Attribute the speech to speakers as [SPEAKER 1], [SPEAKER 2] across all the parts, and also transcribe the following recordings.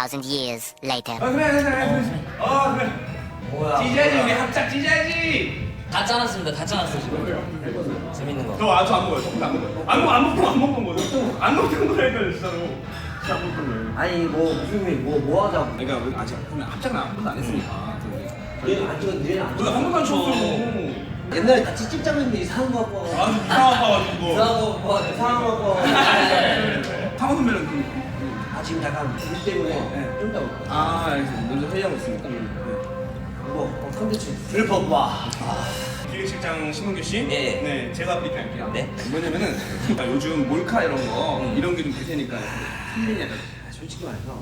[SPEAKER 1] 2,000 years later.
[SPEAKER 2] 그래.
[SPEAKER 3] 뭐야?
[SPEAKER 2] 찢어야지 우리 합작 찢어야지.
[SPEAKER 3] 다 짜놨습니다. 다 짜놨어 지금. 재밌는 거.
[SPEAKER 2] 저안 먹어요. 저안 먹어요. 안 먹는 거죠. 안 먹는 거라니까 진짜로. 진짜 안 먹는 거예요.
[SPEAKER 4] 아니 뭐 무슨 뭐 하자고.
[SPEAKER 2] 그러니까 우리 아직 합작은 한 번도 안 했으니까.
[SPEAKER 4] 얘는 안 찍었는데 얘는 안
[SPEAKER 2] 우리
[SPEAKER 4] 찍었어.
[SPEAKER 2] 한 번도 안 쳤어.
[SPEAKER 4] 옛날에 같이 찍자고 했는데 이상한 거 갖고 와.
[SPEAKER 2] 아 이상한 거 가지고.
[SPEAKER 4] 이상한 거 뭐, 이상한 거 갖고 와.
[SPEAKER 2] 상호 선배는 그.
[SPEAKER 4] 아 지금 약간 일 때문에 좀 이따 올 거야.
[SPEAKER 2] 아 알겠습니다. 먼저 회의하고 있으니까.
[SPEAKER 4] 뭐 컨텐츠 들퍼봐.
[SPEAKER 2] 기획실장 신문규 씨.
[SPEAKER 3] 예.
[SPEAKER 2] 네, 제가 브리핑할게요.
[SPEAKER 3] 네.
[SPEAKER 2] 뭐냐면은 요즘 몰카 이런 거 이런 게 좀 대세니까 힘드냐.
[SPEAKER 4] 솔직히 말해서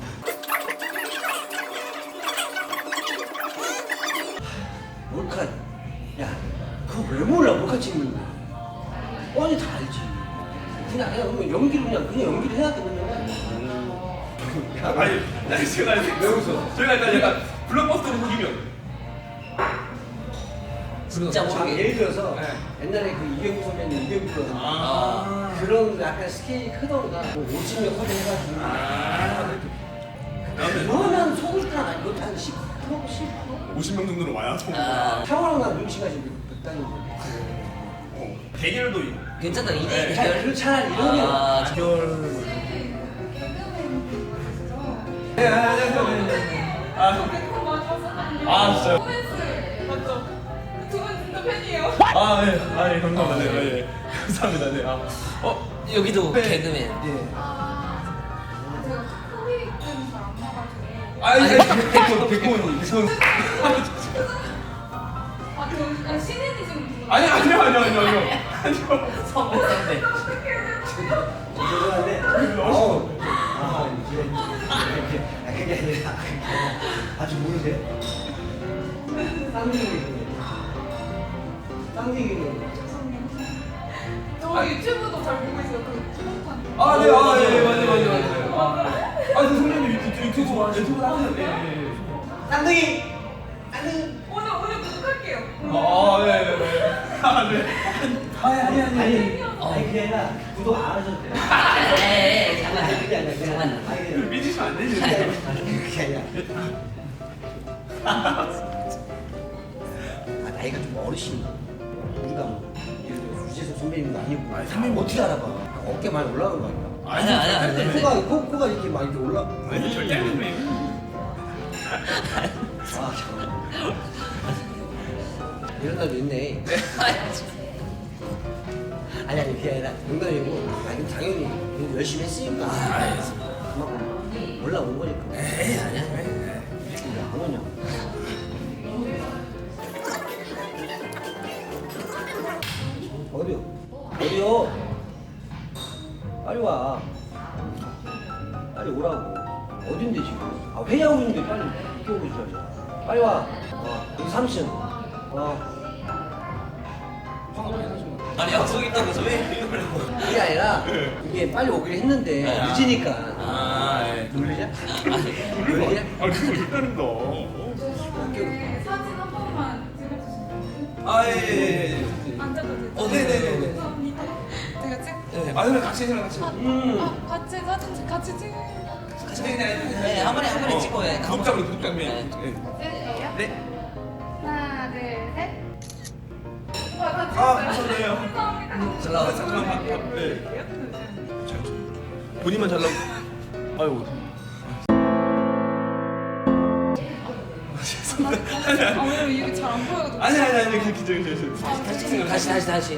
[SPEAKER 4] 몰카 야 그거 왜 몰라 몰카 찍는 거. 뻔히 다 알지. 그냥 연기를 그냥 연기를 해야 되는 거야.
[SPEAKER 2] 아니 제가 왜 웃어? 저희가 일단 약간 블록버스터로 보기면.
[SPEAKER 3] 진짜
[SPEAKER 4] 자,
[SPEAKER 3] 모르게.
[SPEAKER 4] 예를 들어서
[SPEAKER 2] 네.
[SPEAKER 4] 옛날에 그 이경규 선배님 이경규
[SPEAKER 2] 아.
[SPEAKER 4] 그런 약간 스케일이 크던가 뭐 50명 섭외해가지고 그거는 속을 건 아니고 한 10%? 10%?
[SPEAKER 2] 50명 정도는 와야
[SPEAKER 4] 샤워랑 나 눈치가 지금 극단인 건데
[SPEAKER 2] 대결도 있고.
[SPEAKER 3] 괜찮다. 이대
[SPEAKER 2] 네.
[SPEAKER 3] 대결.
[SPEAKER 4] 차라리 이런 게
[SPEAKER 3] 아,
[SPEAKER 2] 아 진짜.
[SPEAKER 5] 맞죠? 두분 진짜 팬이에요.
[SPEAKER 2] 예, 감사합니다. 네, 예. 감사합니다. 네.
[SPEAKER 3] 여기도
[SPEAKER 2] 네.
[SPEAKER 3] 개그맨.
[SPEAKER 5] 제가 카카오톡은 잘안 봐가지고.
[SPEAKER 2] 백호님.
[SPEAKER 5] 신인이 좀.
[SPEAKER 2] 아니요.
[SPEAKER 3] 선배 선배.
[SPEAKER 4] 죄송한데 그게 아니라 아직 모르세요? 쌍둥이는
[SPEAKER 5] 저 유튜브도 잘 보고 있어요. 그 초록판.
[SPEAKER 2] 네, 맞아요. 저 선배님 유튜브 하세요. 네.
[SPEAKER 4] 쌍둥이
[SPEAKER 5] 오늘 구독할게요.
[SPEAKER 2] 네.
[SPEAKER 4] 아니 그게 아니라 구독 안 하셔도 돼요.
[SPEAKER 3] 에이, 잠깐만.
[SPEAKER 4] 그게 아니라
[SPEAKER 3] 잠깐만.
[SPEAKER 2] 삐지시면 안 되지.
[SPEAKER 4] 그게 아니라 나이가 좀 어르신이야. 우리가 뭐 예를 들어 유재석 선배님도 아니고 선배님 어떻게 알아봐. 어깨 많이 올라가는 거 아니야?
[SPEAKER 3] 아니야.
[SPEAKER 4] 코가 이렇게 막 이렇게 올라.
[SPEAKER 2] 아니, 절대 안 돼.
[SPEAKER 4] 아 잠깐만. 이런 날도 있네. 아니 그게 아니라 농담이고 아니 당연히 열심히 했으니까 그만큼 올라온 거니까.
[SPEAKER 3] 에이, 아니야.
[SPEAKER 4] 안 오냐? 어디요? 빨리 와. 빨리 오라고. 어딘데 지금? 아 회의하고 있는데 빨리 끼워고 있어야지. 빨리 와. 여기 3층.
[SPEAKER 3] 아니 약속 있다면서 왜?
[SPEAKER 4] 그게 아니라 이게 빨리 오기로 했는데 늦으니까. 놀리냐? 놀리냐?
[SPEAKER 2] 그거 있다는 거.
[SPEAKER 5] 사진 한 번만 찍어주시면.
[SPEAKER 2] 예.
[SPEAKER 5] 앉아도 되죠?
[SPEAKER 2] 네네네네.
[SPEAKER 5] 감사합니다. 제가 찍.
[SPEAKER 2] 그냥 같이 해라, 같이.
[SPEAKER 5] 같이 사진 같이 찍.
[SPEAKER 3] 네, 한 번에 찍고 해.
[SPEAKER 2] 구독자분.
[SPEAKER 3] 네.
[SPEAKER 5] 찍을게요.
[SPEAKER 2] 네.
[SPEAKER 5] 하나, 둘, 셋. 와, 같이
[SPEAKER 2] 감사해요.
[SPEAKER 5] 감사합니다.
[SPEAKER 3] 잘 나왔어.
[SPEAKER 2] 잠깐만. 네. 본인만 잘 나오고. 아이고.
[SPEAKER 5] 아, 왜냐면 이게 잘 안 보여가지고.
[SPEAKER 2] 아니, 그 기절.
[SPEAKER 3] 다시.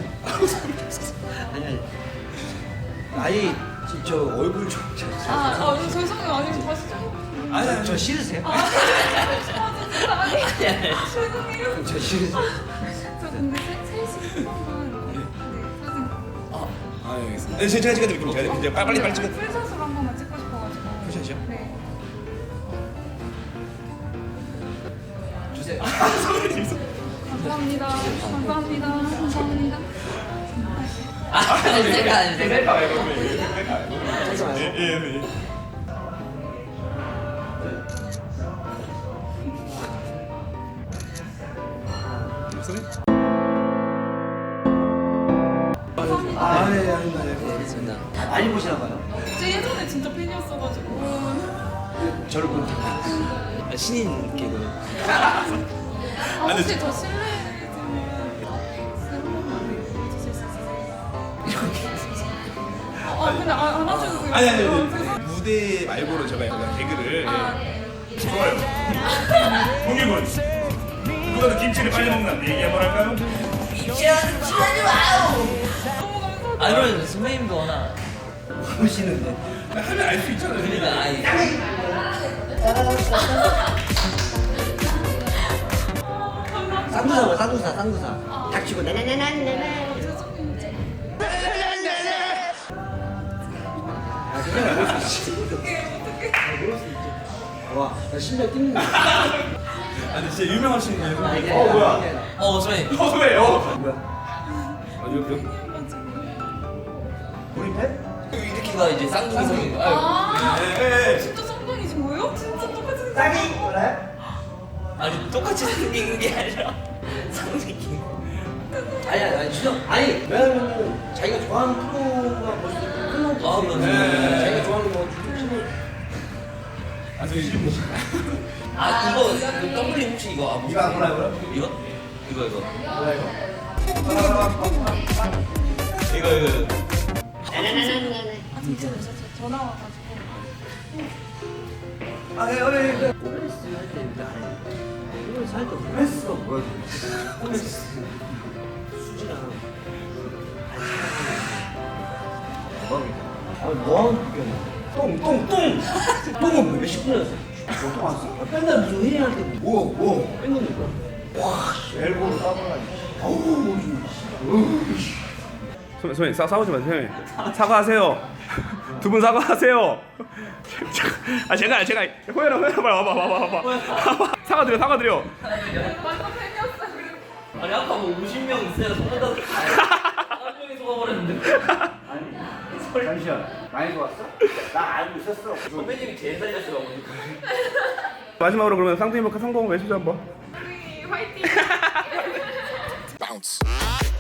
[SPEAKER 4] 아니 저 얼굴 좀.
[SPEAKER 5] 죄송해요. 아니면 다시 찍어.
[SPEAKER 4] 저 싫으세요?
[SPEAKER 5] 진짜 아니. 죄송해요.
[SPEAKER 4] 저 싫으세요?
[SPEAKER 5] 저 근데 셋이 한 번만. 네, 사진.
[SPEAKER 2] 알겠습니다. 제가 찍어드릴게요. 제가 빨리 찍어.
[SPEAKER 5] 풀샷으로 한 번만 찍고 싶어가지고.
[SPEAKER 2] 풀샷이요?
[SPEAKER 5] 네.
[SPEAKER 2] 주세요.
[SPEAKER 5] 감사합니다. 감사합니다.
[SPEAKER 3] 셀카.
[SPEAKER 2] 예.
[SPEAKER 3] 알겠습니다.
[SPEAKER 4] 많이 보시나 봐요.
[SPEAKER 5] 저 예전에 진짜 팬이었어가지고.
[SPEAKER 4] 저를 보는
[SPEAKER 3] 신인 개그.
[SPEAKER 5] 혹시 저 실례지만 한 번만 해주실 수 있어요? 근데 안 하셔도 돼요.
[SPEAKER 2] 아니 무대 말고는 제가 약간 개그를 좋아요. 공익은 누가도 김치를 빨리 먹는다는데 얘기 한번 할까요?
[SPEAKER 3] 아 그러면 선배님도 워낙
[SPEAKER 4] 보시는데.
[SPEAKER 2] 하면 알 수 있잖아요.
[SPEAKER 3] 그러니까 아니
[SPEAKER 4] 쌍두사. 닥치고 네네네네네. 아, 그냥 그럴 수 있지. 그럴 수 있지. 와, 나 심장 뛰는 거.
[SPEAKER 2] 아니 진짜 유명하신 분이에요. 뭐야?
[SPEAKER 3] 선배님
[SPEAKER 2] 왜요?
[SPEAKER 4] 뭐야?
[SPEAKER 2] 여기
[SPEAKER 4] 우리 팬?
[SPEAKER 3] 이렇게가 이제 쌍둥이 성인.
[SPEAKER 2] 네.
[SPEAKER 5] 진짜 쌍둥이신 거예요? 진짜 똑같이 생겼어요.
[SPEAKER 4] 쌍이 그래?
[SPEAKER 3] 아니 똑같이 생긴 게 아니라 쌍둥이.
[SPEAKER 4] 아니 진짜 아니 왜냐면은 자기가 좋아하는 프로가 벌써 끝나고
[SPEAKER 3] 아, 그렇네.
[SPEAKER 4] 자기가 좋아하는 거 신호
[SPEAKER 2] 아 저기 지금
[SPEAKER 3] 아 이거 그 더블링 혹시 이거 안
[SPEAKER 4] 이거 안 보라고요?
[SPEAKER 3] 이거? 이거
[SPEAKER 4] 뭐야 이거?
[SPEAKER 3] 이거
[SPEAKER 5] 아 진짜요? 저 전화 와가지고.
[SPEAKER 4] 그 오메스 할때 이거 안 해. 오메스 할때 오메스가 뭐야? 오메스 수지랑 대박이다. 아 뭐하는 비교냐? 똥은 몇십 분이었어? 똥 왔어? 맨날 무슨 회의할 때 뭐 뺏는 거? 와 엘보로 따블라니. 아우
[SPEAKER 2] 선생님 싸우지 마세요. 사과하세요. 두 분 사과하세요. 아 제가 호연아 와봐. 사과드려.
[SPEAKER 3] 아니 아까 뭐 50명 있어야 속았다고 한 명이 속아버렸는데
[SPEAKER 4] 잠시만 많이 좋았어? 나 알고 있었어.
[SPEAKER 3] 선배님이 제일 살렸어요.
[SPEAKER 2] 마지막으로 그러면 쌍둥이 목화 성공 외치죠 한번.
[SPEAKER 5] 쌍둥이 화이팅!
[SPEAKER 1] bounce.